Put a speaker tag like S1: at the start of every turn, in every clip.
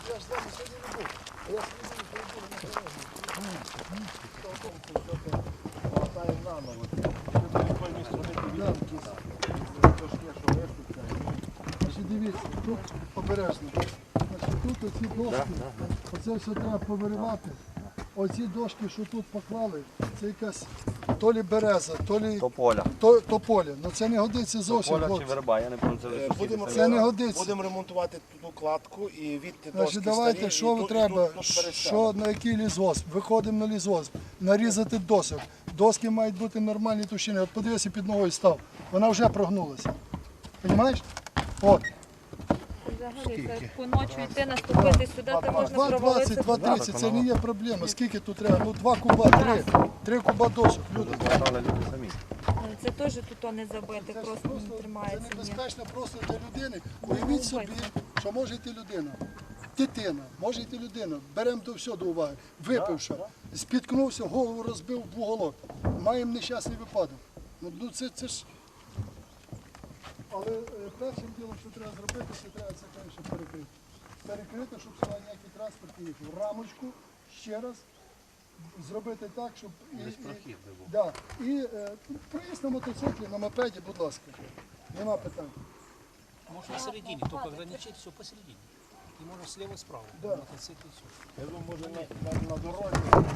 S1: Я ж з вами сьогодні не був. А я сьогодні був на дорозі.
S2: Хватає наново. Ти до якої сторони
S1: Значить, дивіться, тут обережно. Значить, тут оці дошки, оце все треба повиривати. Оці дошки, що тут поклали, це якась то лі береза, то лі тополя. Ну це не годиться зовсім.
S3: Тополя чи
S1: хлопці.
S3: верба, я не пам'ятаю.
S1: Це не годиться.
S2: Будемо ремонтувати ту кладку і відти
S1: Значить,
S2: дошки
S1: давайте,
S2: старі.
S1: що треба, що на який лісгосп, виходимо на лісгосп, нарізати досок. Доски мають бути нормальні товщини. От подивися, під ногою став, вона вже прогнулася. Розумієш? От.
S4: Взагалі, це по ночі йти, наступити сюди, то можна
S1: 2,20,
S4: провалитися.
S1: 2,30, це не є проблема. Скільки тут треба? Ну 2 куба, 3. 3 куба досок, люди.
S3: Люди самі.
S4: Це теж тут не забити,
S1: Це ж
S4: просто не
S1: це
S4: тримається. ні.
S1: небезпечно просто для людини. Уявіть собі, що може йти людина. Дитина, може йти людина. Беремо до всього до уваги. Випивши, спіткнувся, голову розбив в уголок. Маємо нещасний випадок. Ну це ж. Але першим ділом, що треба зробити, це треба це, звісно, перекрити. Перекрити, щоб сюди ніякий транспорт не їхав. Рамочку ще раз зробити так, щоб да. І проїзд на мотоциклі, на мопеді, будь ласка. Нема питань.
S5: Можно посередине, только ограничить все посередине. И можно слева и справа.
S1: Да.
S5: На мотоцикле все.
S2: Я думаю, може на дорозі.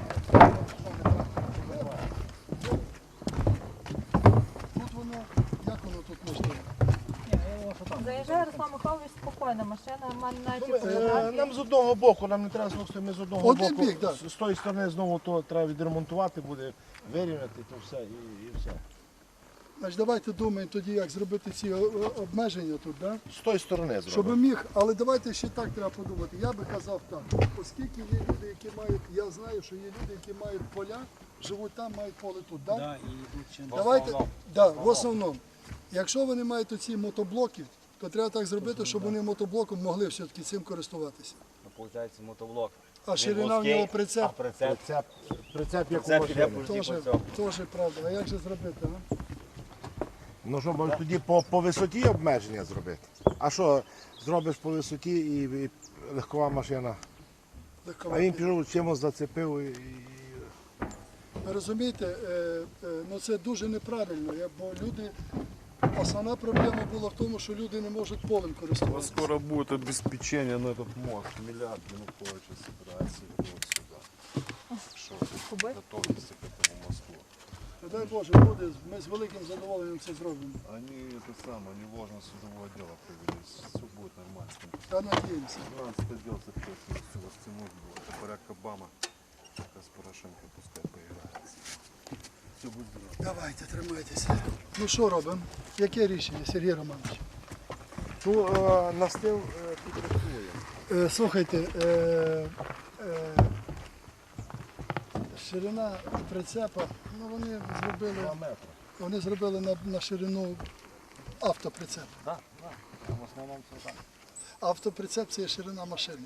S1: Тут воно, як воно тут можливо?
S4: Заїжджає Руслан Михайлович спокійно, машина, в мене навіть фотографії.
S2: Нам з одного боку, нам не треба знову ми з одного
S1: Один
S2: боку.
S1: бік, да.
S2: З тої сторони знову то треба відремонтувати буде, вирівняти то все і все.
S1: Значить, давайте думаємо тоді, як зробити ці обмеження тут, да?
S2: З тої сторони
S1: Щоб
S2: зробимо.
S1: міг, але давайте ще так треба подумати. Я би казав так, оскільки є люди, які мають, я знаю, що є люди, які мають поля, живуть там, мають поле тут, да?
S5: Да, и идут чем
S1: Давайте, да, в основному. Якщо вони мають оці мотоблоки, то треба так зробити, щоб вони мотоблоком могли все-таки цим користуватися.
S3: Виходить, мотоблок.
S1: А ширина в нього прицеп,
S3: Прицеп.
S2: Прицеп як у
S3: Прицеп іде
S2: машини.
S3: по
S1: теж,
S3: цьому.
S1: теж правда. А як же зробити, а?
S2: Ну що, може тоді по висоті обмеження зробити? А що, зробиш по висоті і легкова машина? А він пішов чимось зацепив і...
S1: Ви розумієте, ну це дуже неправильно, бо люди, основна проблема була в тому, що люди не можуть полем користуватися.
S6: Скоро будет обеспечение на этот мост. Миллиард Януковича собирается вот сюда. Что, готовится к этому мосту.
S1: Дай Боже, буде, ми з великим задоволенням це зробимо.
S6: Они это самое, они ложно судовое дело провели. Все будет нормально.
S1: Та надіємося.
S6: 12 отдел запретил, все растянуть было. Это Барак Обама. Как с Порошенко пускай поиграется. Все будет здорово.
S1: Давайте, тримайтеся. Ну що робимо? Яке рішення, Сергій Романович?
S2: Ту настил підрахує.
S1: Слухайте, ширина прицепа, ну вони зробили на ширину автоприцеп.
S3: Так, так. В основному це так.
S1: Автоприцеп це є ширина машини.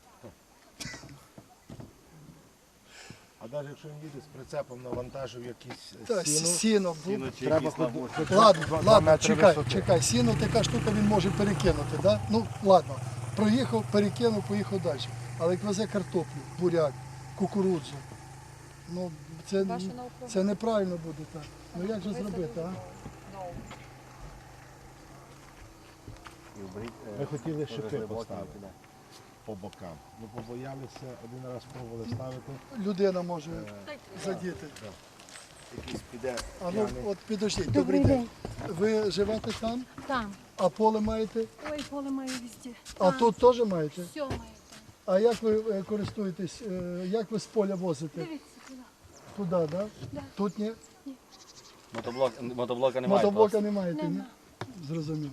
S2: А навіть якщо він їде з прицепом навантажив якісь
S1: Та,
S2: сіно,
S1: сіно.
S3: Сіно чи
S2: треба
S3: якісь там
S2: ходити.
S1: Ладно, чекай, сіно така штука він може перекинути, да? Ну ладно, проїхав, перекинув, поїхав далі. Але як везе картоплю, буряк, кукурудзу, ну це неправильно буде так. Ну як же зробити, а?
S2: Ми хотіли шипи поставити по бокам. Ми побоялися, один раз пробували ставити.
S1: Людина може задіти.
S2: Якийсь піде.
S1: А ну от підождіть, добрий день. Ви живете там,
S7: Там.
S1: а поле маєте?
S7: Ой, поле маю везде.
S1: А
S7: Там.
S1: тут теж маєте?
S7: Все маю там.
S1: А як ви користуєтесь, як ви з поля возите?
S7: Дивіться туди.
S1: Туди, да?
S7: Да.
S1: Тут ні?
S3: Мотоблока немає.
S1: Мотоблока не маєте, ні?
S7: Нема.
S1: Зрозумів.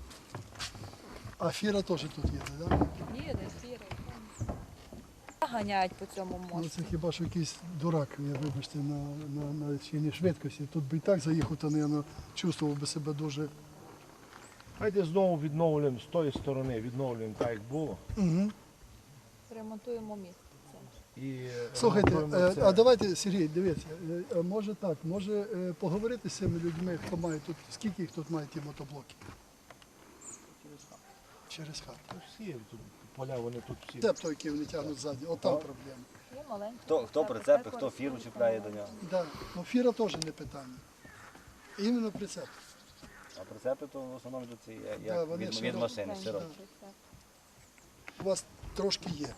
S1: А фіра теж тут є, так? Да?
S4: Ні, не сіре. Ганяють по цьому
S1: Ну
S4: мосту.
S1: це хіба що якийсь дурак, вибачте, на чині швидкості. Тут би і так заїхав, то, мабуть, чувствував би себе дуже.
S2: Давайте знову відновлюємо з тої сторони, відновлюємо так, як було.
S1: Угу.
S4: Ремонтуємо міст.
S2: І
S1: Слухайте,
S2: ремонтуємо це.
S1: а давайте, Сергій, дивіться, може так, може поговорити з цими людьми, хто має тут, скільки їх тут має ті мотоблоки? Через хату.
S2: Всі тут поля, вони тут всі.
S1: Це той, який вони тягнуть ззаді, от там проблема.
S4: Є маленькі.
S3: Хто прицепи, хто фіру чіпляє до нього.
S1: Да. Ну, фіра теж не питання. Іменно прицеп.
S3: А прицепи то в основному йдуть ці,
S1: Да,
S3: як
S1: вони
S3: від
S1: широкі.
S3: машини, широкі.
S1: У вас трошки є.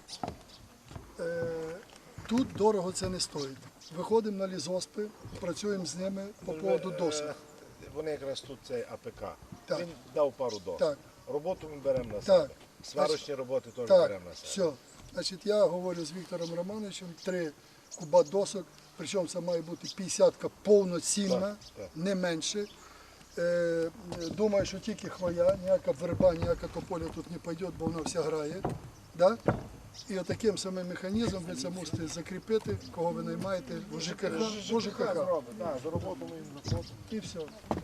S1: Тут дорого це не стоїть. Виходимо на лізоспи, працюємо з ними по поводу досок.
S2: Вони якраз тут цей АПК.
S1: Так.
S2: Він дав пару досок.
S1: Так.
S2: Роботу ми беремо на
S1: Так.
S2: себе. Сварочні роботи теж
S1: Так,
S2: беремо на себе.
S1: все. Значить, я говорю з Віктором Романовичем, 3 куба досок, причому це має бути 50-ка повноцінна,
S2: Так, так.
S1: не менше. Думаю, що тільки хвоя, ніяка верба, ніяка тополя тут не піде, бо вона вся грає. Да? І отаким самим механізмом ви це мусите закріпити, кого ви наймаєте в ЖКХ. В ЖКХ.
S2: Зробить, так, за роботу ми їм заплатимо.
S1: І все.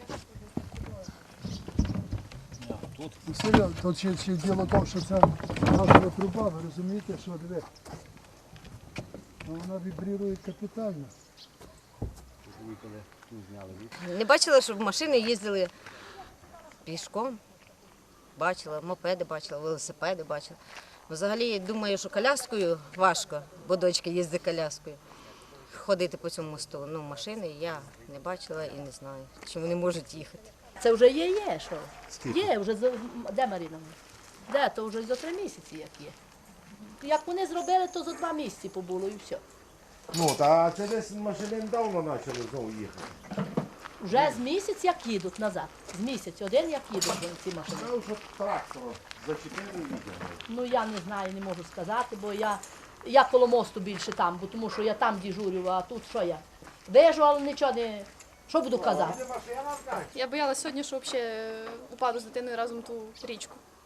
S5: Тут
S1: Ну, серйозно, тут ще діло в тому, що це газова труба, ви розумієте, що диви. Ну, вона вібрірує капітально.
S3: Виїхали, тут зняли від.
S7: Не бачила, щоб машини їздили пішком. Бачила, мопеди бачила, велосипеди бачила. Взагалі, думаю, що коляскою важко, бо дочка їздить коляскою. Ходити по цьому мосту. Ну, машини я не бачила і не знаю, чи вони можуть їхати.
S8: Це вже є, що? Є, вже де Маріна? Де, то вже за 3 місяці як є. Як вони зробили, то за 2 місяці побуло і все.
S2: Ну, та це десь машини недавно почали знову їхати.
S8: Вже з місяць як їдуть назад. З місяць один як їдуть вже ці машини.
S2: Сказав, що трактор зачепили і їхали.
S8: Ну я не знаю, не можу сказати, бо я коло мосту більше там, бо тому що я там дежурю, а тут що я? Вижу, але нічого не. Що буду казати?
S9: Я боялась сьогодні, що взагалі упаду з дитиною разом в ту річку.